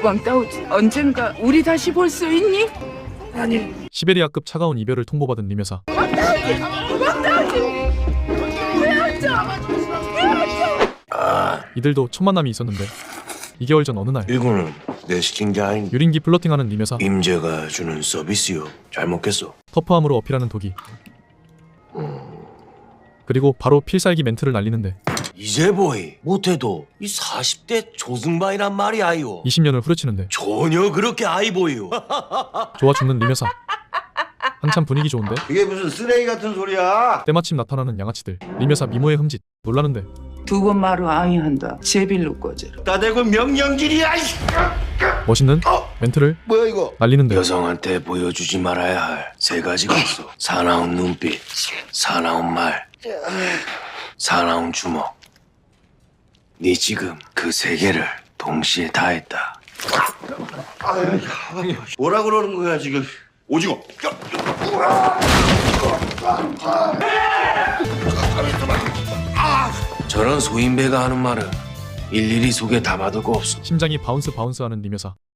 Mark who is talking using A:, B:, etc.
A: 왕따오 언젠가 우리 다시 볼 수 있니?
B: 시베리아급 차가운 이별을 통보받은 림 여사. 이들도 첫 만남이 있었는데 2개월 전 어느 날
C: 이거는 내 시킨 게 아닌
B: 유린기 플러팅하는 림 여사.
C: 임재가 주는 서비스요. 잘 먹겠어.
B: 터프함으로 어필하는 독이. 그리고 바로 필살기 멘트를 날리는데
C: 이제 보이 못해도 이 40대 조승반이란 말이 아이오.
B: 20년을 후려치는데
C: 전혀 그렇게 아이 보이요.
B: 좋아 죽는 림 여사. 한참 분위기 좋은데
D: 이게 무슨 쓰레기 같은 소리야?
B: 때마침 나타나는 양아치들. 림 여사 미모의 흠짓. 놀라는데
A: 두 번 말로 아위한다. 제빌로 꺼져라.
D: 따대고 명령질이야.
B: 멋있는 멘트를
D: 뭐야 이거?
B: 날리는데
C: 여성한테 보여주지 말아야 할 세 가지가 있어. 사나운 눈빛, 사나운 말, 사나운 주먹. 네 지금 그 세 개를 동시에 다 했다.
D: 뭐라 그러는 거야 지금? 오징어.
C: 저런 소인배가 하는 말은 일일이 속에 담아둘 거 없어.
B: 심장이 바운스 바운스하는 림 여사.